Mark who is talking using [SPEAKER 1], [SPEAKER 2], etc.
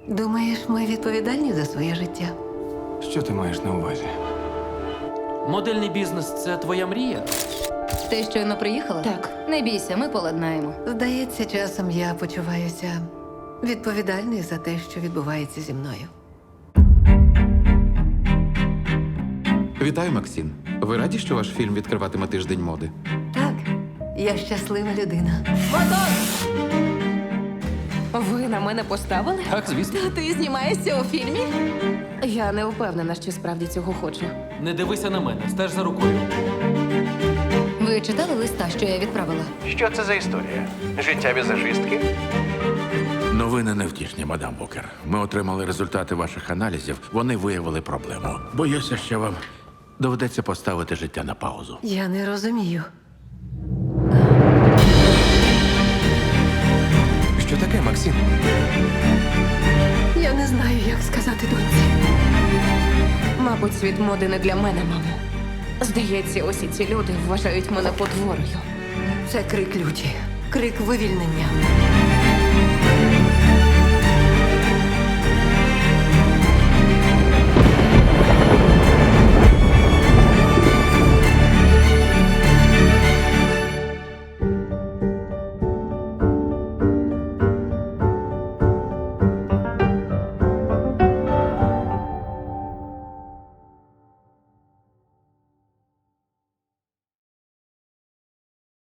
[SPEAKER 1] Думаєш, ми відповідальні за своє життя?
[SPEAKER 2] Що ти маєш на увазі?
[SPEAKER 3] Модельний бізнес це твоя мрія?
[SPEAKER 4] Ти щойно приїхала?
[SPEAKER 5] Так.
[SPEAKER 4] Не бійся, ми поладнаємо.
[SPEAKER 1] Здається, часом я почуваюся відповідальною за те, що відбувається зі мною.
[SPEAKER 6] Вітаю, Максим. Ви раді, що ваш фільм відкриватиме тиждень моди?
[SPEAKER 1] Так, я щаслива людина.
[SPEAKER 5] Ви на мене поставили?
[SPEAKER 3] Так, звісно.
[SPEAKER 5] Ти знімаєшся у фільмі? Я не впевнена, що справді цього хочу.
[SPEAKER 3] Не дивися на мене, стеж за рукою.
[SPEAKER 4] Ви читали листа, що я відправила?
[SPEAKER 7] Що це за історія? Життя візажистки?
[SPEAKER 8] Новини невтішні, мадам Букер. Ми отримали результати ваших аналізів. Вони виявили проблему. Боюся, що вам доведеться поставити життя на паузу.
[SPEAKER 1] Я не розумію.
[SPEAKER 2] Що таке, Максим?
[SPEAKER 1] Я не знаю, як сказати доньці.
[SPEAKER 5] Мабуть, світ моди не для мене, мамо. Здається, усі ці люди вважають мене потворою.
[SPEAKER 1] Це крик люті, крик вивільнення.